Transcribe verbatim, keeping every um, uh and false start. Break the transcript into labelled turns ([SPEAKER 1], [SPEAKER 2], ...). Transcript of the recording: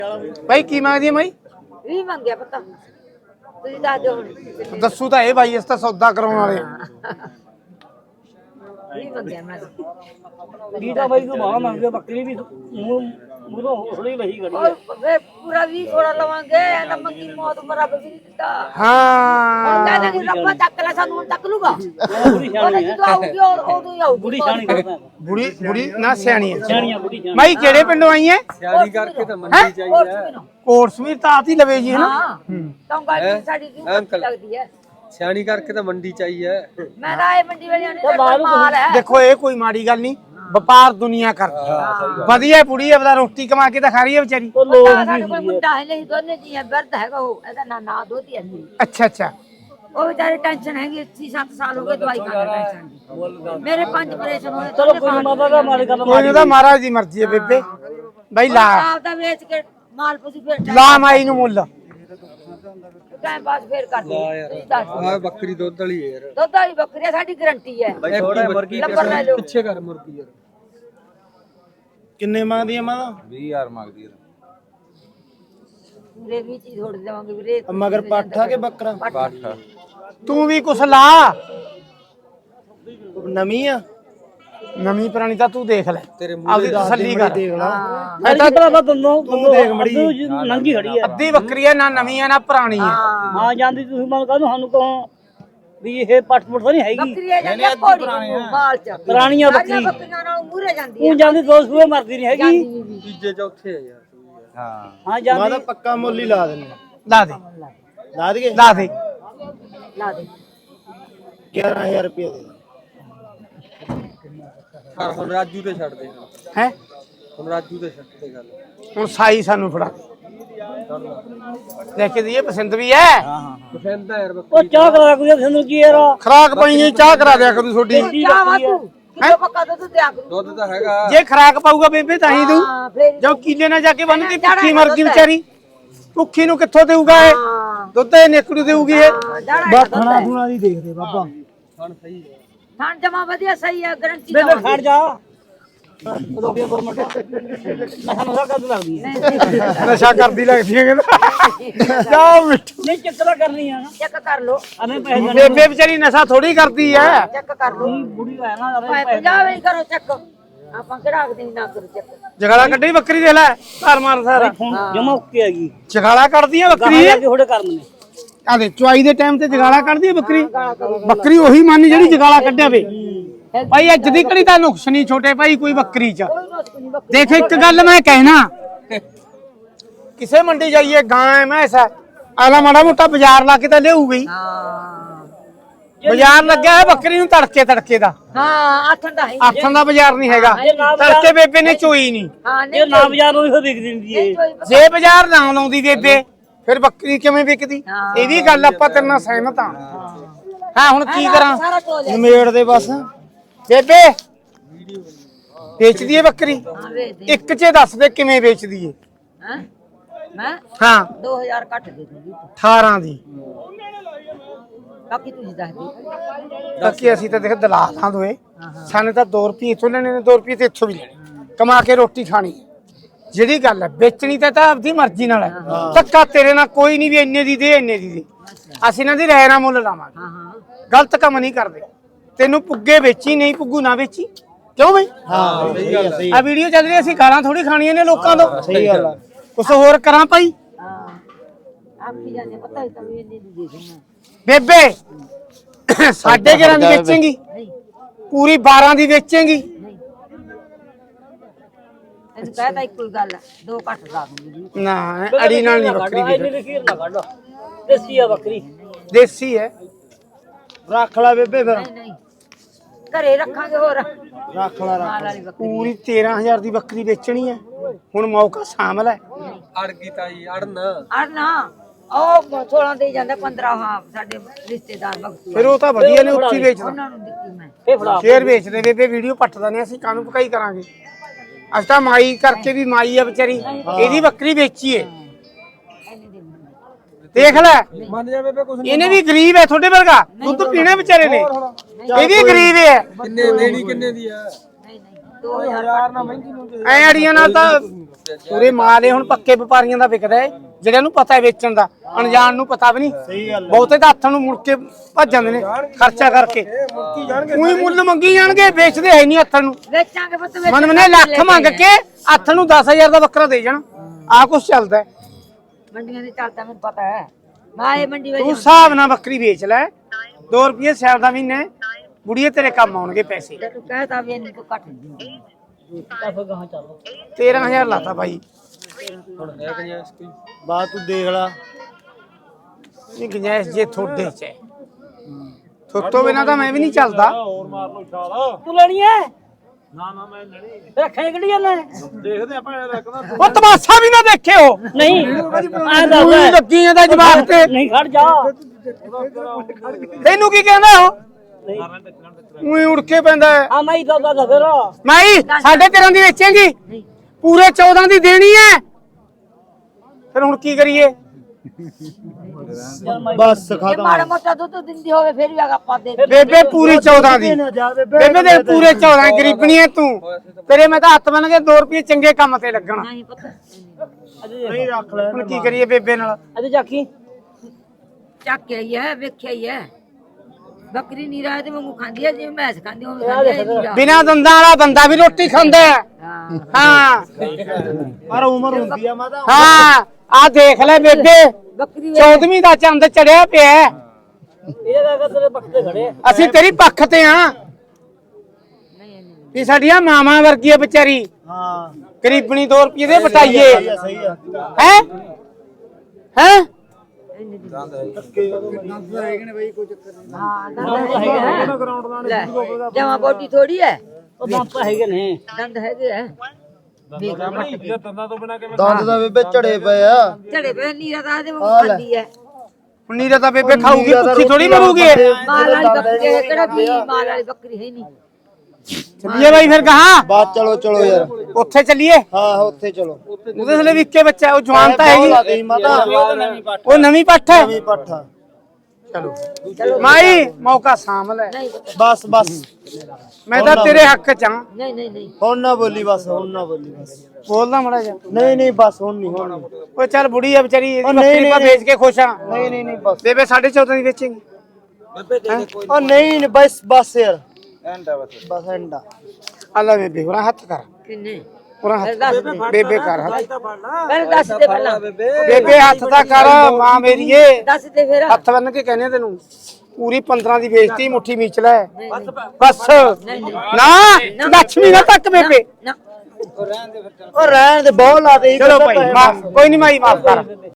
[SPEAKER 1] भाई की मांगदी है माई
[SPEAKER 2] भी मंगया पता ਤੁਸੀਂ ਦੱਸ ਦਿਓ ਹੁਣ
[SPEAKER 1] दसू तो है भाई इस तो सौदा कराने वाले
[SPEAKER 2] ਵੀ ਮੰਗਿਆ ਮੈਂ
[SPEAKER 3] गीता भाई को भाव मांगते बकरी भी मुरो थोड़ी वही करी
[SPEAKER 2] और वे पूरा भी थोड़ा लवांगे ना मंगी मौत बराबर भी नहीं दिता
[SPEAKER 1] हाँ
[SPEAKER 2] कहना कि रब्बा तक ला सानू तक लूगा
[SPEAKER 3] बुढ़ी शानी है
[SPEAKER 2] तो आऊगी और ओदू ही आऊगी
[SPEAKER 3] बुढ़ी शानी करता है
[SPEAKER 1] बुढ़ी बुढ़ी ना सियाणी है
[SPEAKER 3] शानी है बुढ़ी शानी
[SPEAKER 1] माई केड़े पिंडों आई है
[SPEAKER 4] ਸਿਆਣੀ ਕਰਕੇ ਤਾਂ ਮੰਡੀ ਚਾਹੀਦੀ ਹੈ
[SPEAKER 1] कोटसमीर तो आती लवे जी है ना
[SPEAKER 2] हां तो गाड़ी साडी की लगती है
[SPEAKER 4] ਸਿਆਣੀ ਕਰਕੇ ਤਾਂ ਮੰਡੀ ਚਾਹੀਦੀ ਹੈ
[SPEAKER 2] मैं राय मंडी वाले ने माल है
[SPEAKER 1] देखो ये कोई माड़ी गल नहीं व्यापार दुनिया कर वधिया पुड़ी है बता रोटी कमा के तो खा रही है बेचारी
[SPEAKER 3] तो लोग
[SPEAKER 2] साडे कोई मुंडा है नहीं दोने जी है बर्द है वो एदा ना ना दोती है
[SPEAKER 1] अच्छा अच्छा
[SPEAKER 2] वो बेचारे टेंशन है कि छह सात साल हो गए दवाई खा रहे टेंशन मेरे पांच ऑपरेशन हुए
[SPEAKER 3] चलो कोई माता का मारे का
[SPEAKER 1] कोई नहीं महाराज दी मर्जी है बेबे भाई ला
[SPEAKER 2] आप दा बेच के माल पुसी फिर
[SPEAKER 1] ला माई नु मुੱਲ
[SPEAKER 2] टाइम पास फिर कर दो
[SPEAKER 4] ਆਹ ਬੱਕਰੀ ਦੁੱਧ ਵਾਲੀ ਹੈ ਯਾਰ
[SPEAKER 2] ਦੁੱਧ ਵਾਲੀ ਬੱਕਰੀ ਸਾਡੀ ਗਾਰੰਟੀ ਹੈ
[SPEAKER 4] ਬਾਈ ਥੋੜਾ ਮੁਰਗੀ
[SPEAKER 2] ਨੰਬਰ ਲੈ ਲਓ
[SPEAKER 4] ਪਿੱਛੇ ਕਰ ਮੁਰਗੀ ਯਾਰ
[SPEAKER 1] ਕਿੰਨੇ ਮੰਗਦੀ ਹੈ ਮਾਂ
[SPEAKER 4] ਵੀਹ ਹਜ਼ਾਰ ਮੰਗਦੀ ਹੈ
[SPEAKER 2] ਵੀਰੇ ਵੀ ਚੀਜ਼ ਥੋੜੀ ਦੇਵਾਂਗੇ ਵੀਰੇ
[SPEAKER 1] ਮਗਰ ਪਾਠਾ ਕੇ ਬੱਕਰਾ
[SPEAKER 4] ਬਾਠਾ
[SPEAKER 1] ਤੂੰ ਵੀ ਕੁਛ ਲਾ ਨਵੀਂ ਆ ਨਵੀਂ ਪੁਰਾਣੀ ਤਾਂ ਤੂੰ ਦੇਖ ਲੈ
[SPEAKER 4] ਤੇਰੇ
[SPEAKER 1] ਆਪਦੀ ਤਸੱਲੀ ਕਰ
[SPEAKER 3] मैं तो भरा दोनों दोनों देख मड़ी नंगी खड़ी है
[SPEAKER 1] ਅੱਧੀ ਬੱਕਰੀ ਹੈ ਨਾ ਨਵੀਂ ਹੈ ਨਾ ਪੁਰਾਣੀ ਹੈ
[SPEAKER 3] हां जानदी ਤੁਸੀਂ ਮਨ ਕਹਨੂੰ ਸਾਨੂੰ ਕਹੋ ਵੀ ਇਹ ਪਟਪਟ ਤਾਂ ਨਹੀਂ ਹੈਗੀ
[SPEAKER 2] ਬੱਕਰੀ ਹੈ ਜਾਂ ਕੋੜੀ ਮਾਲ ਚ
[SPEAKER 3] ਪੁਰਾਣੀ ਆ ਬੱਕਰੀ
[SPEAKER 2] ਬੱਕਰੀਆਂ ਨਾਲ ਮੂਰੇ ਜਾਂਦੀ
[SPEAKER 3] ਤੂੰ ਜਾਂਦੀ ਦੋ ਸੂਏ ਮਰਦੀ ਨਹੀਂ ਹੈਗੀ
[SPEAKER 4] ਤੀਜੇ ਚੌਥੇ ਆ ਯਾਰ ਹਾਂ
[SPEAKER 3] ਹਾਂ ਜਾਂਦੀ
[SPEAKER 1] ਪੱਕਾ ਮੁੱਲ ਹੀ ਲਾ ਦਿੰਦੇ ਲਾ ਦੇ ਲਾ ਦੇ ਲਾ ਦੇ
[SPEAKER 2] ਲਾ ਦੇ
[SPEAKER 1] ਗਿਆਰਾਂ ਹਜ਼ਾਰ ਰੁਪਏ ਦੇ
[SPEAKER 4] ਹਾਂ ਹੁਣ ਰਾਜੂ ਤੇ ਛੱਡ ਦੇ
[SPEAKER 1] ਹੈ
[SPEAKER 4] ਹੁਣ ਰਾਜੂ ਤੇ ਛੱਡ ਦੇ ਗੱਲ
[SPEAKER 1] ਹੁਣ ਸਾਈ ਸਾਨੂੰ ਫੜਾ ਦੇਖ ਕੇ ਦੀਏ ਪਸੰਦ ਵੀ ਹੈ
[SPEAKER 4] ਪਸੰਦ ਆ ਯਾਰ
[SPEAKER 3] ਉਹ
[SPEAKER 4] ਬੱਕਰੀ
[SPEAKER 3] ਚਾਹ ਕਰਾ ਕੋਈ ਸਾਨੂੰ ਕੀ ਯਾਰ
[SPEAKER 1] ਖਰਾਕ ਪਈ ਹੈ ਚਾਹ ਕਰਾ ਦਿਆ ਕਰੂ ਤੁਹਾਡੀ
[SPEAKER 2] ਚਾਹ ਵਾਧੂ ਕਿਲੋ ਪੱਕਾ ਦੁੱਧ ਦਿਆ ਕਰੂ
[SPEAKER 4] ਦੁੱਧ ਤਾਂ ਹੈਗਾ
[SPEAKER 1] ਜੇ ਖਰਾਕ ਪਾਊਗਾ ਬੇਬੇ ਤਾਂ ਹੀ ਦੂ
[SPEAKER 2] ਹਾਂ ਫੇਰ
[SPEAKER 1] ਜੋ ਕੀਲੇ ਨਾਲ ਜਾ ਕੇ ਬੰਨ ਕੇ ਭੁੱਖੀ ਮਰ ਗਈ ਵਿਚਾਰੀ ਭੁੱਖੀ ਨੂੰ ਕਿੱਥੋਂ ਦੇਊਗਾ ਇਹ ਦੁੱਧ ਇਹ ਨਿਕੜੂ ਦੇਊਗੀ ਇਹ
[SPEAKER 2] ਬਸ
[SPEAKER 1] ਖਾਣਾ ਖੁਣਾ ਦੀ ਦੇਖਦੇ ਬਾਬਾ
[SPEAKER 4] ਹੁਣ ਸਹੀ ਹੈ
[SPEAKER 2] ਥਾਂ ਜਮਾ ਵਧੀਆ ਸਹੀ ਹੈ ਗਾਰੰਟੀ
[SPEAKER 3] ਬੇਬੇ ਖੜ ਜਾ ਰੋਟੀਆਂ ਕੋਲ ਮਟ ਨਸ਼ਾ ਨਸ਼ਾ ਕਰ ਲੱਗਦੀ ਹੈ
[SPEAKER 1] ਨਸ਼ਾ ਕਰਦੀ ਲੱਗਦੀ ਹੈ ਕਹਿੰਦਾ ਜਾ ਮਿੱਠੂ
[SPEAKER 3] ਨਹੀਂ ਚੱਕਰਾ ਕਰਨੀ ਆ ਨਾ
[SPEAKER 2] ਚੈੱਕ ਕਰ ਲੋ
[SPEAKER 3] ਅਨੇ ਪੈਸੇ ਦੇਣੇ
[SPEAKER 1] ਬੇਬੇ ਵਿਚਾਰੀ ਨਸ਼ਾ ਥੋੜੀ ਕਰਦੀ ਹੈ
[SPEAKER 2] ਚੈੱਕ ਕਰ ਲੋ
[SPEAKER 3] ਬੁੜੀ ਹੋਇਆ ਨਾ ਅਰੇ
[SPEAKER 2] ਭਾਵੇਂ ਪੰਜਾਹ ਵੀ ਕਰੋ ਚੈੱਕ ਆਪਾਂ ਕਿਹੜਾ ਆਖਦੇ ਨਹੀਂ ਨਾ ਕਰੋ ਚੈੱਕ
[SPEAKER 1] ਜਗਾਲਾ ਕੱਢੀ ਬੱਕਰੀ ਦੇਖ ਲੈ ਘਰ ਮਾਰ ਸਾਰਾ
[SPEAKER 3] ਜਮਾ ਉੱਕੇ ਹੈਗੀ
[SPEAKER 1] ਜਗਾਲਾ ਕੱਢਦੀ ਹੈ ਬੱਕਰੀ
[SPEAKER 3] ਜਾ ਕੇ ਥੋੜੇ ਕਰਨ ਨੇ
[SPEAKER 1] ਆ ਦੇ ਚੁਆਈ ਦੇ ਟਾਈਮ ਤੇ ਜਗਾਲਾ ਕੱਢਦੀ ਹੈ ਬੱਕਰੀ ਬੱਕਰੀ ਉਹੀ ਮੰਨ ਜਿਹੜੀ ਜਗਾਲਾ ਕੱਢਿਆ ਵੇ ਭਾਈ ਅੱਜ ਦੀ ਕੜੀ ਤਾਂ ਨੁਕਸ ਨਹੀਂ ਛੋਟੇ ਭਾਈ ਕੋਈ ਬੱਕਰੀ ਚ ਦੇਖ ਇੱਕ ਗੱਲ ਮੈਂ ਕਹਿਣਾ ਕਿਸੇ ਮੰਡੀ ਜਾਈਏ ਗਾਂ ਮੈਂ ਐਸਾ ਆਲਾ ਮਾੜਾ ਮੋਟਾ ਬਾਜ਼ਾਰ ਲਾ ਕੇ ਤਾਂ ਲਿਆਊ ਗਈ
[SPEAKER 2] ਹਾਂ
[SPEAKER 1] ਬਾਜ਼ਾਰ ਲੱਗਿਆ ਹੈ ਬੱਕਰੀ ਨੂੰ ਤੜਕੇ ਤੜਕੇ ਦਾ
[SPEAKER 2] ਹਾਂ ਆਥਣ ਦਾ ਹੈ
[SPEAKER 1] ਆਥਣ ਦਾ ਬਾਜ਼ਾਰ ਨਹੀਂ ਹੈਗਾ ਤੜਕੇ ਬੇਬੇ ਨੇ ਚੋਈ ਨਹੀਂ
[SPEAKER 2] ਹਾਂ
[SPEAKER 3] ਇਹ
[SPEAKER 2] ਨਹੀਂ
[SPEAKER 3] ਨਾ ਬਾਜ਼ਾਰ ਨੂੰ ਵੀ ਵਿਕ ਦਿੰਦੀ ਏ
[SPEAKER 1] ਜੇ ਬਾਜ਼ਾਰ ਨਾ ਲਾਉਂਦੀ ਬੇਬੇ ਫਿਰ ਬੱਕਰੀ ਕਿਵੇਂ ਵਿਕਦੀ ਇਹ ਵੀ ਗੱਲ ਆਪਾਂ ਤੇਰੇ ਨਾਲ ਸਹਿਮਤ ਹਾਂ ਹਾਂ ਹੁਣ ਕੀ ਕਰਾਂ
[SPEAKER 2] ਸਾਰਾ ਟੋਲ ਹੈ
[SPEAKER 1] ਨਿਮੇੜ ਦੇ ਬਸ ਬੇਬੇ ਵੇਚਦੀ ਏ ਬੱਕਰੀ
[SPEAKER 2] ਹਾਂ ਵੇ ਦੇ
[SPEAKER 1] ਇੱਕ ਚ ਦੱਸ ਦੇ ਕਿਵੇਂ ਵੇਚਦੀ ਏ
[SPEAKER 2] ਹਾਂ ਮੈਂ
[SPEAKER 1] ਹਾਂ
[SPEAKER 2] ਦੋ ਹਜ਼ਾਰ ਘੱਟ ਦੇ ਦੂੰਗੀ
[SPEAKER 1] ਅਠਾਰਾਂ ਦੀ
[SPEAKER 2] ਬਾਕੀ ਤੁਸੀਂ ਦੱਸ ਦਿਓ
[SPEAKER 1] ਬਾਕੀ ਅਸੀਂ ਤਾਂ ਦੇਖ ਦਲਾਲ ਹਾਂ ਦੋਏ ਸਾਨੂੰ ਤਾਂ ਦੋ ਰੁਪਏ ਇੱਥੋਂ ਲੈਣੇ ਨੇ ਦੋ ਰੁਪਏ ਤੇ ਇੱਥੋਂ ਵੀ ਲੈਣੇ ਕਮਾ ਕੇ ਰੋਟੀ ਖਾਣੀ ਜਿਹੜੀ ਗੱਲ ਹੈ ਵੇਚਣੀ ਤਾਂ ਤਾਂ ਆਪਦੀ ਮਰਜ਼ੀ ਨਾਲ ਹੈ ਧੱਕਾ ਤੇਰੇ ਨਾਲ ਕੋਈ ਨਹੀਂ ਵੀ ਇੰਨੇ ਦੀ ਦੇ ਇੰਨੇ ਦੀ ਦੇ ਅਸੀਂ ਇਹਨਾਂ ਦੀ ਰਾਏ ਨਾਲ ਮੁੱਲ ਲਾਵਾਂਗੇ
[SPEAKER 2] ਹਾਂ ਹਾਂ
[SPEAKER 1] ਗਲਤ ਕੰਮ ਨਹੀਂ ਕਰਦੇ ਤੈਨੂੰ ਪੁੱਗੇ ਵੇਚੀ ਨਹੀਂ ਪੁੱਗੂ ਨਾ ਵੇਚੀ ਕਿਉਂ ਬਈ ਹਾਂ
[SPEAKER 4] ਸਹੀ ਗੱਲ ਹੈ
[SPEAKER 1] ਆ ਵੀਡੀਓ ਚੱਲ ਰਹੀ ਅਸੀਂ ਗਾਲਾਂ ਥੋੜੀ ਖਾਣੀਆਂ ਨੇ ਲੋਕਾਂ ਤੋਂ ਸਹੀ ਗੱਲ ਆ ਕੁਛ ਹੋਰ ਕਰਾਂ ਭਾਈ
[SPEAKER 2] ਹਾਂ ਆਪ ਕੀ ਜਾਣੇ ਪਤਾ ਹੀ ਤਾਂ ਵੀ ਇੰਨੇ ਦੀ ਦੇ ਦੂੰਗਾ
[SPEAKER 1] ਬੇਬੇ ਸਾਢੇ ਗਿਆਰਾਂ ਦੀ ਵੇਚੇਂਗੀ
[SPEAKER 2] ਨਹੀਂ
[SPEAKER 1] ਪੂਰੀ ਬਾਰਾਂ ਦੀ ਵੇਚੇਂਗੀ
[SPEAKER 2] ਨਹੀਂ ਇਹਨੂੰ ਕਹਤਾ ਇੱਕੋ ਹੀ ਗੱਲ ਹੈ ਦੋ ਘੱਟ ਲਾ ਦੂੰਗੀ
[SPEAKER 1] ਨਾ ਅੜੀ ਨਾਲ ਨਹੀਂ ਬੱਕਰੀ
[SPEAKER 3] ਇੰਨੀ ਵੀ ਖੀਰ ਨਾ ਕੱਢ ਦੇਸੀ ਆ ਬੱਕਰੀ
[SPEAKER 1] ਦੇਸੀ ਹੈ ਰੱਖ ਲੈ ਬੇਬੇ ਫਿਰ
[SPEAKER 2] ਨਹੀਂ ਨਹੀਂ ਘਰੇ ਰੱਖਾਂਗੇ ਹੋਰ
[SPEAKER 1] ਰੱਖ ਲੈ
[SPEAKER 2] ਮਾਲ ਵਾਲੀ ਬੱਕਰੀ
[SPEAKER 1] ਪੂਰੀ ਤੇਰਾਂ ਹਜ਼ਾਰ ਦੀ ਬੱਕਰੀ ਵੇਚਣੀ ਹੈ ਹੁਣ ਮੌਕਾ ਸਾਂਭ ਲੈ
[SPEAKER 4] ਅੜ ਗਈ ਤਾਈ ਅੜਨ
[SPEAKER 2] ਅਰ ਨਾ ਉਹ ਸੋਲਾਂ ਦੇ ਜਾਂਦਾ ਪੰਦਰਾਂ ਹਾਂ ਸਾਡੇ ਰਿਸ਼ਤੇਦਾਰ ਭਗਤੂ
[SPEAKER 1] ਫਿਰ ਉਹ ਤਾਂ ਵਧੀਆ ਨੇ ਉੱਥੇ ਹੀ ਵੇਚਦਾ
[SPEAKER 2] ਉਹਨਾਂ ਨੂੰ ਦਿੱਤੀ ਮੈਂ
[SPEAKER 3] ਇਹ ਫੜਾ
[SPEAKER 1] ਫੇਰ ਵੇਚਦੇ ਬੇਬੇ ਵੀਡੀਓ ਪੱਟਦਾ ਨੇ ਅਸੀਂ ਕਾਨੂੰ ਪਕਾਈ ਕਰਾਂਗੇ ਅਸੀਂ ਤਾਂ ਮਾਈ ਕਰਕੇ ਵੀ ਮਾਈ ਆ ਵਿਚਾਰੀ ਇਹਦੀ ਬੱਕਰੀ ਵੇਚੀਏ
[SPEAKER 2] ਐਨੇ ਦੇ ਦਿੰਦੀ।
[SPEAKER 1] ਦੇਖ ਲੈ
[SPEAKER 4] ਮੰਨ ਜਾ ਬੇਬੇ ਕੁਛ
[SPEAKER 1] ਇਹਨੇ ਵੀ ਗਰੀਬ ਹੈ ਤੁਹਾਡੇ ਵਰਗਾ ਦੁੱਧ ਪੀਣੇ ਵਿਚਾਰੇ ਨੇ ਇਹ ਵੀ ਗਰੀਬ ਹੈ
[SPEAKER 4] ਕਿੰਨੇ ਦੇਣੀ ਕਿੰਨੇ ਦੀ ਆ
[SPEAKER 2] ਨਹੀਂ ਨਹੀਂ ਦੋ ਹਜ਼ਾਰ
[SPEAKER 4] ਯਾਰ ਨਾ ਮਹਿੰਗੀ ਨੂੰ ਦੇ
[SPEAKER 1] ਐ ਅੜੀਆਂ ਨਾਲ ਤਾਂ ਪੂਰੇ ਮਾਲ ਇਹ ਹੁਣ ਪੱਕੇ ਵਪਾਰੀਆਂ ਦਾ ਵਿਕਦਾ ਹੈ ਜਿਹੜਿਆਂ ਨੂੰ ਪਤਾ ਹੈ ਵੇਚਣ ਦਾ ਅਣਜਾਣ ਨੂੰ ਪਤਾ ਵੀ ਨਹੀਂ
[SPEAKER 3] ਸਹੀ ਗੱਲ
[SPEAKER 1] ਬਹੁਤੇ ਤਾਂ ਹੱਥਾਂ ਨੂੰ ਮੁੜ ਕੇ ਭੱਜ ਜਾਂਦੇ ਨੇ ਖਰਚਾ ਕਰਕੇ
[SPEAKER 4] ਮੁੱਕੀ ਜਾਣਗੇ
[SPEAKER 1] ਉਹੀ ਮੁੱਲ ਮੰਗੀ ਜਾਣਗੇ ਵੇਚਦੇ ਹੈ ਨਹੀਂ ਹੱਥਾਂ ਨੂੰ
[SPEAKER 2] ਵੇਚਾਂਗੇ ਪੁੱਤ
[SPEAKER 1] ਮਨ ਮਨੇ ਲੱਖ ਮੰਗ ਕੇ ਹੱਥ ਨੂੰ ਦਸ ਹਜ਼ਾਰ ਦਾ ਬੱਕਰਾ ਦੇ ਜਾਣ ਆ ਕੁਛ ਚੱਲਦਾ ਹੈ।
[SPEAKER 2] ਮੰਡੀਆਂ ਦੇ ਚੱਲਦਾ ਮੈਨੂੰ ਪਤਾ ਹੈ ਮੈਂ ਇਹ ਮੰਡੀ
[SPEAKER 1] ਤੂੰ
[SPEAKER 2] ਵਿੱਚ
[SPEAKER 1] ਹਿਸਾਬ ਨਾਲ ਬੱਕਰੀ ਵੇਚ ਲੈ ਦੋ ਰੁਪਏ ਸਿਆਲ ਦਾ ਮਹੀਨੇ ਬੁੜੀਏ ਤੇਰੇ ਕੰਮ ਆਉਣਗੇ ਪੈਸੇ
[SPEAKER 2] ਜੇ ਤੂੰ ਕਹਿਤਾ ਵੀ ਇੰਨੀ ਤੋਂ ਘੱਟ ਨਹੀਂ
[SPEAKER 3] ਤਾਂ ਫਿਰ ਗਾਹਾਂ ਚੱਲ
[SPEAKER 1] ਤੇਰਾਂ ਹਜ਼ਾਰ ਲਾਤਾ ਬਾਈ
[SPEAKER 4] ਹੁਣ ਹੈ ਕਿ ਇਸ ਕੋਈ
[SPEAKER 3] ਬਾਤ ਤੂੰ ਦੇਖ ਲੈ
[SPEAKER 1] ਇਹ ਗੁੰਜਾਇਸ਼ ਜੇ ਥੋੜੇ ਚ ਹੈ ਥੋਤੋਂ ਬਿਨਾ ਤਾਂ ਮੈਂ ਵੀ ਨਹੀਂ ਚੱਲਦਾ
[SPEAKER 3] ਹੋਰ ਮਾਰ ਲੋ ਛਾਲ ਤੂੰ ਲੈਣੀ ਹੈ ਨਾ ਨਾ ਮੈਂ ਲੈਣੀ ਰੱਖੇ ਕਿਹੜੀ ਗੱਲ ਹੈ ਦੇਖਦੇ ਆਪਾਂ ਰੱਖਦਾ
[SPEAKER 1] ਉਹ ਤਮਾਸ਼ਾ ਵੀ ਨਾ ਦੇਖਿਓ
[SPEAKER 3] ਨਹੀਂ ਆ
[SPEAKER 1] ਤੂੰ ਹੀ ਲੱਗੀ ਇਹਦਾ ਜਵਾਬ ਤੇ
[SPEAKER 3] ਨਹੀਂ ਖੜ ਜਾ
[SPEAKER 1] ਤੈਨੂੰ ਕੀ ਕਹਿੰਦਾ ਉਹ ਉਹੀ ਉੜ ਕੇ ਪੈਂਦਾ ਹੈ।
[SPEAKER 3] ਆ ਮੈਂ ਤਾਂ ਦਾ ਫਿਰ
[SPEAKER 1] ਮਾਈ ਸਾਢੇ ਤੇਰਾਂ ਦੀ ਵੇਚੇਂਗੀ ਪੂਰੇ ਚੌਦਾਂ ਦੀ ਦੇਣੀ ਹੈ ਫਿਰ ਹੁਣ ਕੀ ਕਰੀਏ
[SPEAKER 3] ਬਸ
[SPEAKER 2] ਜੇ ਮਾੜਾ ਮੋਟਾ ਦੁੱਧ ਦਿੰਦੀ ਹੋਵੇ ਫਿਰ ਵੀ ਆਪਾਂ ਦੇ
[SPEAKER 1] ਬੇਬੇ ਪੂਰੀ ਚੌਦਾਂ ਦੀ ਬੇਬੇ ਦੇ ਪੂਰੇ ਚੌਦਾਂ ਗਰੀਬਣੀ ਹੈ ਤੂੰ ਤੇਰੇ ਮੈਂ ਤਾਂ ਹੱਥ ਬੰਨ ਕੇ ਦੋ ਰੁਪਏ ਚੰਗੇ ਕੰਮ ਤੇ ਲੱਗਣਾ
[SPEAKER 2] ਨਹੀਂ ਪੁੱਤ
[SPEAKER 3] ਨਹੀਂ ਰੱਖ ਲੈ
[SPEAKER 1] ਹੁਣ ਕੀ ਕਰੀਏ ਬੇਬੇ ਨਾਲ
[SPEAKER 3] ਅਜੇ ਜਾਕੀ
[SPEAKER 2] ਚੱਕ ਕੇ ਆਈ ਹੈ ਵੇਖਿਆ ਹੀ ਹੈ ਬੱਕਰੀ ਨੀਰਾ ਤੇ ਵਾਂਗੂ ਖਾਂਦੀ ਹੈ ਜਿਵੇਂ ਮੈਸ ਖਾਂਦੀ ਉਹ ਖਾਂਦੀ ਹੈ ਨੀਰਾ।
[SPEAKER 1] ਬਿਨਾਂ ਦੰਦਾਂ ਵਾਲਾ ਬੰਦਾ ਵੀ ਰੋਟੀ ਖਾਂਦਾ ਹੈ
[SPEAKER 2] ਹਾਂ
[SPEAKER 1] ਹਾਂ
[SPEAKER 3] ਪਰ ਉਮਰ ਹੁੰਦੀ ਆ ਮਾਤਾ
[SPEAKER 1] ਹਾਂ ਆ ਦੇਖ ਲੈ ਬੇਬੇ
[SPEAKER 2] ਬੱਕਰੀ ਵੇ-
[SPEAKER 1] ਚੌਦਵੀਂ ਦਾ ਚੰਦ ਚੜਿਆ ਪਿਆ ਹੈ।
[SPEAKER 3] ਇਹ ਦਾ ਤੇਰੇ ਪੱਖੇ ਖੜੇ ਆ
[SPEAKER 1] ਅਸੀਂ ਤੇਰੀ ਪੱਖ ਤੇ ਆ
[SPEAKER 2] ਨਹੀਂ ਨਹੀਂ
[SPEAKER 1] ਵੀ ਸਾਡੀਆਂ ਮਾਵਾਂ ਵਰਗੀ ਹੈ ਵਿਚਾਰੀ
[SPEAKER 3] ਹਾਂ
[SPEAKER 1] ਗਰੀਬਣੀ ਦੋ ਰੁਪਏ ਦੇ ਬਟਾਈਏ
[SPEAKER 3] ਸਹੀ ਆ
[SPEAKER 1] ਹੈ ਹੈ
[SPEAKER 2] ਹਾਂ ਦੰਦ ਹੈਗੇ ਲੈ ਜਮਾ ਬੋਟੀ ਥੋੜੀ ਹੈ
[SPEAKER 3] ਉਹ ਦੰਦ ਹੈਗੇ ਨੇ
[SPEAKER 2] ਦੰਦ ਹੈਗੇ ਹੈ
[SPEAKER 5] ਦੰਦ ਦਾ ਬੇਬੇ ਝੜੇ ਪਏ ਆ
[SPEAKER 2] ਝੜੇ ਪਏ ਨੀਰਾ ਦਾ ਤੇ ਵਾਂਗੂ ਖਾਂਦੀ ਹੈ
[SPEAKER 1] ਉਨੀ ਦਾ ਤਾਂ ਬੇਬੇ ਖਾਊਗੀ ਭੁੱਖੀ ਥੋੜੀ ਮਰੂਗੀ
[SPEAKER 2] ਮਾਲ ਵਾਲੀ ਬੱਕਰੀ ਹੈ ਕਿਹੜਾ ਵੀ ਮਾਲ ਵਾਲੀ ਬੱਕਰੀ ਹੈ ਨਹੀਂ
[SPEAKER 1] ਚੱਲੀਏ ਬਾਈ ਫਿਰ ਕਹਾਂ
[SPEAKER 5] ਬਾਤ ਚਲੋ ਚਲੋ ਯਾਰ
[SPEAKER 1] ਉੱਥੇ ਚੱਲੀਏ
[SPEAKER 5] ਹਾਂ ਉੱਥੇ ਚਲੋ
[SPEAKER 1] ਉਹਦੇ ਥਲੇ ਵੀ ਇੱਕੇ ਬੱਚਾ ਉਹ ਜਵਾਨ ਤਾਂ ਹੈਗੀ
[SPEAKER 5] ਗਈ ਮਾਤਾ
[SPEAKER 1] ਉਹ ਨਵੀਂ ਪੱਠ ਹੈ
[SPEAKER 5] ਨਵੀਂ ਪੱਠਾ
[SPEAKER 1] ਚਲੋ ਮਾਈ ਮੌਕਾ ਸਾਂਭ ਲੈ
[SPEAKER 2] ਨਹੀਂ ਪੁੱਤ,
[SPEAKER 5] ਬਸ ਬਸ
[SPEAKER 1] ਮੈਂ ਤਾਂ ਤੇਰੇ ਹੱਕ ਚ ਆ
[SPEAKER 2] ਨਹੀਂ ਨਹੀਂ ਨਹੀਂ
[SPEAKER 5] ਹੁਣ ਨਾ ਬੋਲੀ ਬਸ ਹੁਣ ਨਾ ਬੋਲੀ ਬਸ
[SPEAKER 1] ਬੋਲਦਾ ਮੜਾ ਜਾ
[SPEAKER 5] ਨਹੀਂ ਨਹੀਂ ਬਸ ਹੁਣ ਨਹੀਂ ਹੁਣ ਨਹੀਂ
[SPEAKER 1] ਉਹ ਚੱਲ ਬੁੜੀ ਆ ਵਿਚਾਰੀ ਇਹਦੀ
[SPEAKER 5] ਉਹ ਨਹੀਂ,
[SPEAKER 1] ਬੱਕਰੀ ਪਾ
[SPEAKER 5] ਨਹੀਂ,
[SPEAKER 1] ਵੇਚ ਕੇ ਖੁਸ਼ ਆ
[SPEAKER 5] ਨਹੀਂ ਨਹੀਂ ਬਸ
[SPEAKER 1] ਬੇਬੇ ਸਾਢੇ ਚੌਦਾਂ ਦੀ ਵੇਚੇਂਗੀ
[SPEAKER 5] ਉਹ ਨਹੀਂ ਨਹੀਂ ਬਸ ਬਸ ਯਾਰ ਐਂਡਾ ਬਸ ਬਸ ਐਂਡਾ
[SPEAKER 1] ਆ ਲੈ ਬੇਬੇ ਉਹਦਾ ਹੱਥ ਕਰ
[SPEAKER 2] ਕਿੰਨੇ
[SPEAKER 1] ਉਹਦਾ
[SPEAKER 2] ਫਿਰ
[SPEAKER 1] ਹੱਥ
[SPEAKER 2] ਦੱਸ ਦੇ
[SPEAKER 1] ਬੇਬੇ ਕਰ ਹੱਥ
[SPEAKER 2] ਪਹਿਲਾਂ ਦੱਸ ਦੇ ਪਹਿਲਾਂ
[SPEAKER 1] ਬੇਬੇ ਹੱਥ ਤਾਂ ਕਰ ਮਾਂ ਮੇਰੀਏ
[SPEAKER 2] ਦੱਸ ਦੇ ਫਿਰ
[SPEAKER 1] ਹੱਥ ਬੰਨ ਕੇ ਕਹਿੰਦੇ ਆ ਤੈਨੂੰ ਪੂਰੀ ਪੰਦਰਾਂ ਦੀ ਵੇਚਤੀ ਮੁੱਠੀ ਮੀਚ ਲੈ
[SPEAKER 2] ਨਹੀਂ, ਨਹੀਂ,
[SPEAKER 1] ਬਸ
[SPEAKER 2] ਨਹੀਂ ਨਹੀਂ
[SPEAKER 1] ਨਾ ਲక్ష్ਮੀ ਨਾ ਤੱਕ ਬੇਬੇ
[SPEAKER 2] ਨਾ
[SPEAKER 5] ਉਹ ਰਹਿਣ ਦੇ ਬਹੁਤ ਲਾਦੇ
[SPEAKER 1] ਚਲੋ ਭਾਈ ਮਾਫ ਕੋਈ ਨਹੀਂ ਮਾਈ ਮਾਫ ਕਰ